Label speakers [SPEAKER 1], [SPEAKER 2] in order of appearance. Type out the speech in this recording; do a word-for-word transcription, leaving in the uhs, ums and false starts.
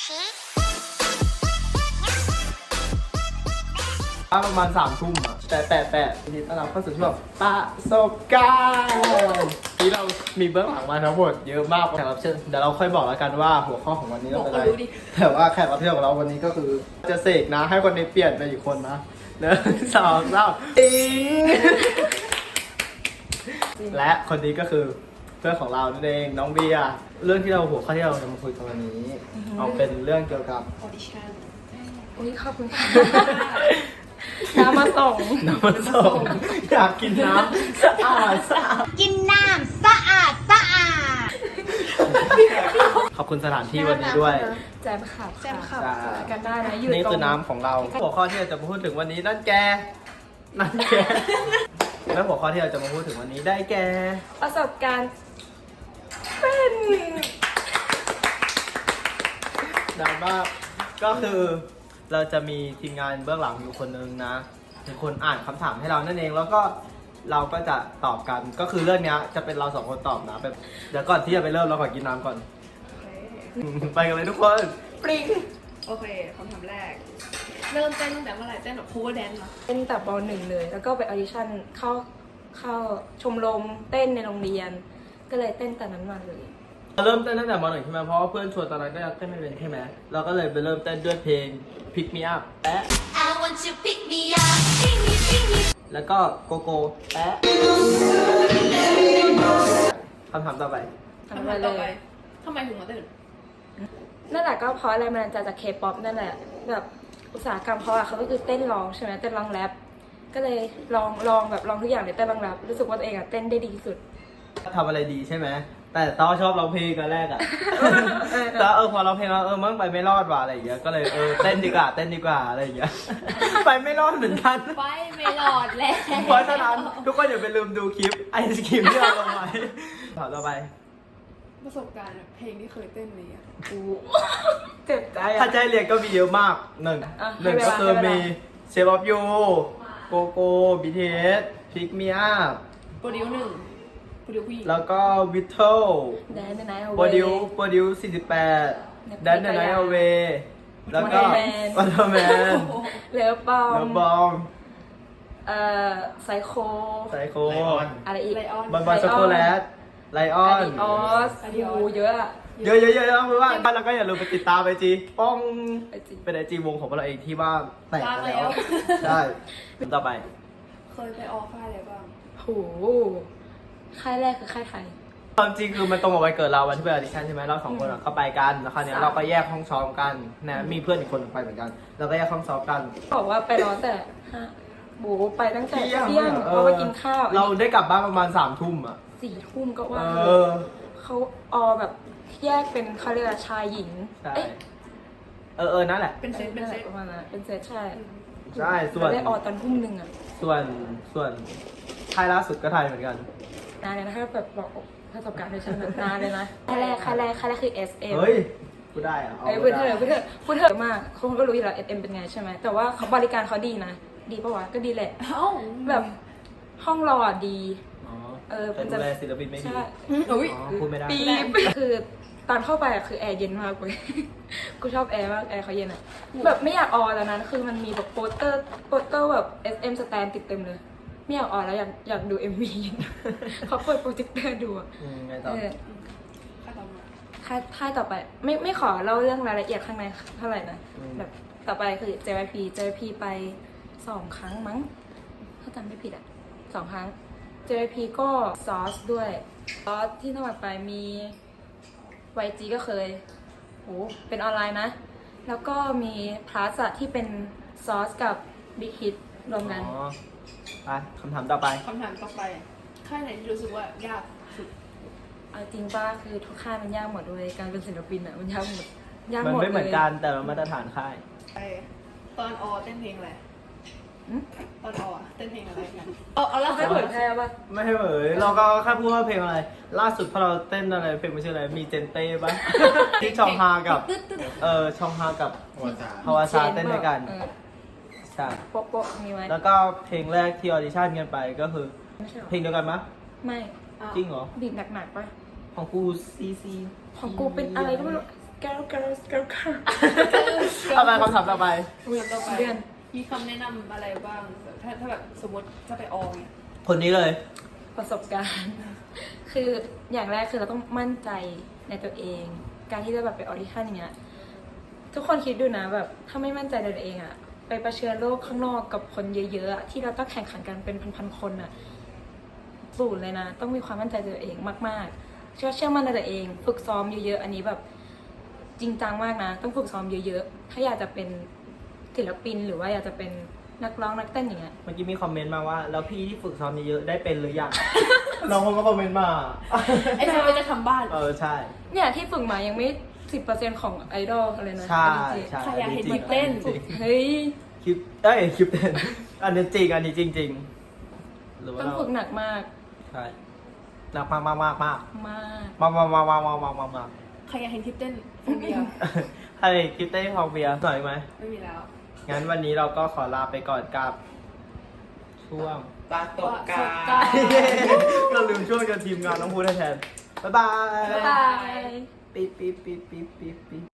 [SPEAKER 1] ประมาณสามทุ่มอ่ะแต่แต่แต่ทีนี้เราเข้าสู่ช่วงประสบการณ์ที่เรามีเบื้องหลังมาทั้งหมดเยอะมากแขกรับเชิญเดี๋ยวเราค่อยบอกแล้วกันว่าหัวข้อของวันนี้เราเป็นอะไรแต่ว่าแขกรับเชิญของเราวันนี้ก็คือจะเสกนะให้คนนี้เปลี่ยนไปอีกคนนะหนึ่งสองสามอิงและคนนี้ก็คือเพื่อนของเรานั่นเองน้องเบียร์เรื่องที่เราหัวข้อที่เราจะมาคุยกันวันนี้เอาเป็นเรื่องเกี่ยวกับ
[SPEAKER 2] ออดิชั่น
[SPEAKER 3] อุ้ยขอบคุณค่ะน้ำมาส่ง
[SPEAKER 1] น้ำมันส่งอยากกินน้ำสะอาดสะอาด
[SPEAKER 2] กินน้ำสะอาดสะอาด
[SPEAKER 1] ขอบคุณสถานที่วันนี้ด้วย
[SPEAKER 3] แจมขับ
[SPEAKER 2] แจมขับ
[SPEAKER 1] ใช่
[SPEAKER 3] กันได้นะอยู่
[SPEAKER 1] นี่
[SPEAKER 3] ตร
[SPEAKER 1] คือง น้ำของเราหัวข้อที่เราจะมาพูดถึงวันนี้นั่นแกนั่นแกแล้วหัวข้อที่เราจะมาพูดถึงวันนี้ได้แก
[SPEAKER 3] ประสบการณ์เป็น
[SPEAKER 1] ดังมากก็คือเราจะมีทีมงานเบื้องหลังอยู่คนนึงนะเป็นคนอ่านคำถามให้เรานั่นเองแล้วก็เราก็จะตอบกันก็คือเรื่องนี้จะเป็นเราสองคนตอบนะแบบเดี๋ยวก่อนที่จะไปเริ่มเราขอกินน้ำก่อนไปกันเลยทุกคนปริ้ง
[SPEAKER 2] โอเคคำถามแรก เริ่มเต้นตั้งแต่เมื่อไหร่เต้นแบบ cover dance เหรอ
[SPEAKER 3] เป็นแต่ปหนึ่งเลย แล้วก็ไปออดิชั่นเข้าเข้าชมรมเต้นในโรงเรียน ก็เลยเต้นแต่นั้นมาเลย
[SPEAKER 1] เราเริ่มเต้นตั้งแต่มหนึ่งใช่ไหมเพราะว่าเพื่อนชวนตอนนั้นก็ยังเต้นไม่เป็นใช่ไหมเราก็เลยไปเริ่มเต้นด้วยเพลง Pick Me Up แปะ
[SPEAKER 4] I want you pick me up, pick me, pick me.
[SPEAKER 1] แล้วก็โกโก้แปะคำถามต่อไป
[SPEAKER 3] ทำ
[SPEAKER 2] คำ
[SPEAKER 3] ไป
[SPEAKER 2] ถาม
[SPEAKER 3] เล
[SPEAKER 2] ต่อไป
[SPEAKER 3] ย
[SPEAKER 2] ทำไมถึงมาเต้น
[SPEAKER 3] นั่นแหละก็เพราะอะไรมันจะจากเคป๊อปนั่นแหละแบบอุตสาหกรรมเขาอะเขาก็คือเต้นร้องใช่ไหมเต้นร้องแรปก็เลยลองลองแบบลองทุกอย่างเลยเต้นร้องแรปรู้สึกว่าตัวเองอะเต้นได้ดีที่สุด
[SPEAKER 1] ทำอะไรดีใช่ไหมแต่ต้อชอบร้องเพลงกันแรกอะ แต่เออพอร้องเพลงแล้วเออมั่งไปไม่รอดว่ะอะไรอย่างเงี้ยก็เลยเออเต้นดีกว่าเต้นดีกว่าอะไรอย่างเงี้ย ไปไม่รอดเหมือนกัน
[SPEAKER 2] ไปไม่หลอดแล้ว
[SPEAKER 1] เพราะฉะนั้นทุกคนอย่าไปลืมดูคลิปไอศครีมที่เราลงไว้ถามต่อไป
[SPEAKER 2] ประสบการณ์เพลงที่เคยเต้นเลยอะ
[SPEAKER 3] เจ็บใจ
[SPEAKER 1] ถ้า
[SPEAKER 3] อะ
[SPEAKER 1] ใจเรียนก็มีเยอะมากหนึ่ง
[SPEAKER 3] อ่ะ
[SPEAKER 1] หนึ่ง
[SPEAKER 3] ให้เวลา
[SPEAKER 1] ก็คือ
[SPEAKER 3] ให้เวลา
[SPEAKER 1] มีเชฟออฟยูโกโก้บีทีเอสพิกมีอัพ
[SPEAKER 2] โปรดิวหนึ่งโปรดิวผู้หญิง
[SPEAKER 1] แล้วก็วิทเทล
[SPEAKER 3] แดนในไนท์เอา
[SPEAKER 1] โปร
[SPEAKER 3] ไว้
[SPEAKER 1] ดิวโปรดิวสี่สิบแปด
[SPEAKER 3] Netflix
[SPEAKER 1] ดันเดนไนท์เอาเวแล้วก็
[SPEAKER 3] Waterman
[SPEAKER 1] วัตเตอร์แมน
[SPEAKER 3] เลอปอ
[SPEAKER 1] เด
[SPEAKER 3] ม
[SPEAKER 1] อะบอม
[SPEAKER 3] เอ่อไซโค
[SPEAKER 1] ไซโค
[SPEAKER 3] อะไรอีก
[SPEAKER 2] ไลออน
[SPEAKER 1] บอลบอลช็อกโกแลตไลออ
[SPEAKER 3] อาน ดิออสโอ้เยอะอะ
[SPEAKER 1] เยอะเยอะเยอะเยอะเพราะว่าแล้วก็อย่าลืมไปติดตามไอจีป้อง
[SPEAKER 3] ไอจี
[SPEAKER 1] เป็นไอจีวงของพวกเราเองที่ว่าแตก
[SPEAKER 2] ลาก
[SPEAKER 1] ไป
[SPEAKER 2] แล้
[SPEAKER 1] แล้ว
[SPEAKER 2] ว
[SPEAKER 1] ใช่ต่อไป
[SPEAKER 2] เคยไปออกค่ายอะไรบ้าง
[SPEAKER 3] โหค่ายแรกคือค่ายไทย
[SPEAKER 1] ความจริงคือมันตรงกับวันเกิดเราวันที่ไปออดิชั่นใช่ไหมเราสองคนอะก็ไปกันแล้วคราวเนี้ยเราก็แยกห้องซ้อมกันนะมีเพื่อนอีกคนหนึ่งไปเหมือนกันเราก็แยกห้องซ้อมกัน
[SPEAKER 3] บอกว่าไปรอแต่ห้าโบไปตั้งแต่
[SPEAKER 1] เที่ยง
[SPEAKER 3] เที่ยง
[SPEAKER 1] เอ
[SPEAKER 3] เพ
[SPEAKER 1] อ
[SPEAKER 3] ราะว่ากินข้าว
[SPEAKER 1] เราได้กลับบ้านประมาณสามทุ่มอ่ะ
[SPEAKER 3] สี่ทุ่มก็
[SPEAKER 1] เอ
[SPEAKER 3] ว่า
[SPEAKER 1] อ
[SPEAKER 3] เขาออแบบแยกเป็นเขาเรียกว่าชายหญิง
[SPEAKER 1] ใช่
[SPEAKER 3] เอ๊ะ
[SPEAKER 1] เออเออนั่นแหละ
[SPEAKER 2] เป็นเซตเป็นเซต
[SPEAKER 3] ประมาณนั้นเป็นเซตใช่
[SPEAKER 1] ใช่ส่วน
[SPEAKER 3] เราได้ออตอนทุ่มหนึ่งอะ
[SPEAKER 1] ส่วนส่วนค่ายล่าสุดก็ไทยเหมือนกัน
[SPEAKER 3] นานเลยนะถ้าแบบบอกประสบการณ์ในชั้นแบบนานเลยนะค่ายแรกค่ายแรกค่ายแรกคือ เอส เอ็ม
[SPEAKER 1] เฮ้ยพูดได้อะเอา
[SPEAKER 3] เอ้ยพูดเถอะพูดเถอะพูดเถอะมากคนก็รู้อยู่แล้ว เอส เอ็ม เป็นไงใช่ไหมแต่ว่าเขาบริการเขาดีนะดีปะวะก็ดีแหละ
[SPEAKER 2] เอ้า
[SPEAKER 3] แบบห้องรออะดี
[SPEAKER 1] อ๋อ
[SPEAKER 3] เออ
[SPEAKER 1] แต่ดูแลศิลปินไม่ดี
[SPEAKER 3] ใช่
[SPEAKER 2] อุ้ย
[SPEAKER 1] อ๋อพูดไม่ได้
[SPEAKER 3] ปีบคือตอนเข้าไปอะคือแอร์เย็นมากเลย กูชอบแอร์มากแอร์เขาเย็นอะแบบไม่อยากออแล้วนั้นคือมันมีแบบโปสเตอร์โปสเตอร์แบบ เอส เอ็ม สแตนติดเต็มเลย ไม่อยากออแล้วอยากอยากดู เอ็ม วี เขาเปิดโปรเจคเตอร์ดูอะ
[SPEAKER 1] อืมไงต่อ
[SPEAKER 3] เออ
[SPEAKER 2] ค่ายต่อมา
[SPEAKER 3] ค่ายค่ายต่อไป ไม่ไม่ขอเล่าเรื่องรายละเอียดข้างในเท่าไหร่นะแบบต่อไปคือ เจ วาย พี เจ วาย พี ไปสองครั้งมั้งถ้าจำไม่ผิดอะสองครั้ง เจ วาย พี ก็ซอสด้วยซอสที่สมัครไปมี วาย จี ก็เคยโหเป็นออนไลน์นะ แล้วก็มีพลาสอะที่เป็นซอสกับบิ๊กฮิตรวมกัน
[SPEAKER 1] อ๋อไปคำถามต่อไป
[SPEAKER 2] คำถามต่อไป ค่ายไหนที่รู้สึกว่ายากสุด
[SPEAKER 3] เอาจริงป้าคือทุกค่ายมันยากหมดเลยการเป็นศิลปินอะมันยากหมดยาก
[SPEAKER 1] มัน
[SPEAKER 3] หมด
[SPEAKER 1] ไม่เหมือน
[SPEAKER 3] เลย
[SPEAKER 1] กันแต่ละมาตรฐานค่าย
[SPEAKER 2] ไอตอนออเต้นเพลงอะไร
[SPEAKER 3] อืม
[SPEAKER 2] ตอนออเต้นเพลงอะไรกันเอาเอาแล้ว
[SPEAKER 3] ไม่เผยแพร่ป่ะ
[SPEAKER 1] ไม่ให้เหยเราก็แค่พูดว่าเพลงอะไร ล่าสุดพอเราเต้นอะไรเพลงมันชื่ออะไรมีเจนเต้ปะ ที่ชองฮากับเออชองฮากับฮาวาซาเต้นด้วยกัน
[SPEAKER 3] เออ
[SPEAKER 1] ใช่
[SPEAKER 3] โป๊ะโป๊ะมีไหม
[SPEAKER 1] แล้วก็เพลงแรกที่ออดิชั่นกันไปก็คือ
[SPEAKER 3] ไม่ใช่หรอ
[SPEAKER 1] เพลงเดียวกันมะ
[SPEAKER 3] ไม่
[SPEAKER 1] จริงเหรอ
[SPEAKER 3] บีบหนักๆป่ะ
[SPEAKER 1] ของกูซีซี
[SPEAKER 3] ของกูเป็นอะไรก็ไม่รู้ girl girl girl girl
[SPEAKER 1] เอาไปคำถามต่อไป
[SPEAKER 2] เดือนต่อไป
[SPEAKER 3] เดือน
[SPEAKER 2] มีคำแนะนำอะไรบ้างแบบถ้าถ้าแบบสมมติจะไปออเนี่ย
[SPEAKER 1] คนนี้เลย
[SPEAKER 3] ประสบการณ์ คืออย่างแรกคือเราต้องมั่นใจในตัวเอง การที่จะแบบไปออดิชั่นอย่างเงี้ย ทุกคนคิดดูนะแบบถ้าไม่มั่นใจในตัวเองอะไปเผชิญโลกข้างนอกกับคนเยอะๆอะที่เราต้องแข่งขันกันเป็นพันๆคนอะสูตรเลยนะ ต้องมีความมั่นใจในตัวเองมากๆ เชื่อเชื่อมั่นในตัวเอง ฝึกซ้อมเยอะๆ อันนี้แบบจริงจังมากนะ ต้องฝึกซ้อมเยอะๆ ถ้าอยากจะเป็นศิลปินหรือว่าอยากจะเป็นนักร้องนักเต้นอย่างเงี้ย
[SPEAKER 1] เมื่อกี้มีคอมเมนต์มาว่า แล้วพี่ที่ฝึกซ้อมเยอะๆได้เป็นหรือยัง น้องคนก็คอมเมนต์มา
[SPEAKER 2] ไอ้เธอจะทำบ้าน
[SPEAKER 1] เออใช่
[SPEAKER 3] เนี่ยที่ฝึกมายังไม่สิบเปอร์เซ็นต์ของไอดอลเลยนะ
[SPEAKER 1] ใช่
[SPEAKER 3] จริงๆ
[SPEAKER 1] ใช่
[SPEAKER 2] ใครอยากเห็น
[SPEAKER 1] จริง
[SPEAKER 2] เต้น
[SPEAKER 1] จริง
[SPEAKER 3] เฮ้ย
[SPEAKER 1] คลิปเอ้ยคลิปเต้น อันนี้จริงอันนี้จริงจริงหรือว่า
[SPEAKER 3] ต้อง
[SPEAKER 1] เรา
[SPEAKER 3] ฝึกหนักมาก
[SPEAKER 1] ใช่หนักมากมากมากมาก
[SPEAKER 3] มาก
[SPEAKER 1] มากมากมากมากมากมากมากมาก
[SPEAKER 2] ใครอยากเห็นทิปเต้นโฟเบีย
[SPEAKER 1] ให้คลิปเต้นของเบียร์หน่อยไหม
[SPEAKER 2] ไม่มีแล้ว
[SPEAKER 1] งั้นวันนี้เราก็ขอลาไปก่อนกับ ช่วง
[SPEAKER 5] ประสบการ
[SPEAKER 2] ประสบการ
[SPEAKER 5] ณ์
[SPEAKER 2] ณ์
[SPEAKER 1] เราลืมช่วงกับทีมงานน้องพูดแทน บ๊ายบาย
[SPEAKER 3] บ๊ายบาย
[SPEAKER 1] ปี๊บปี๊บปี๊บปี๊บปี๊บปี๊บ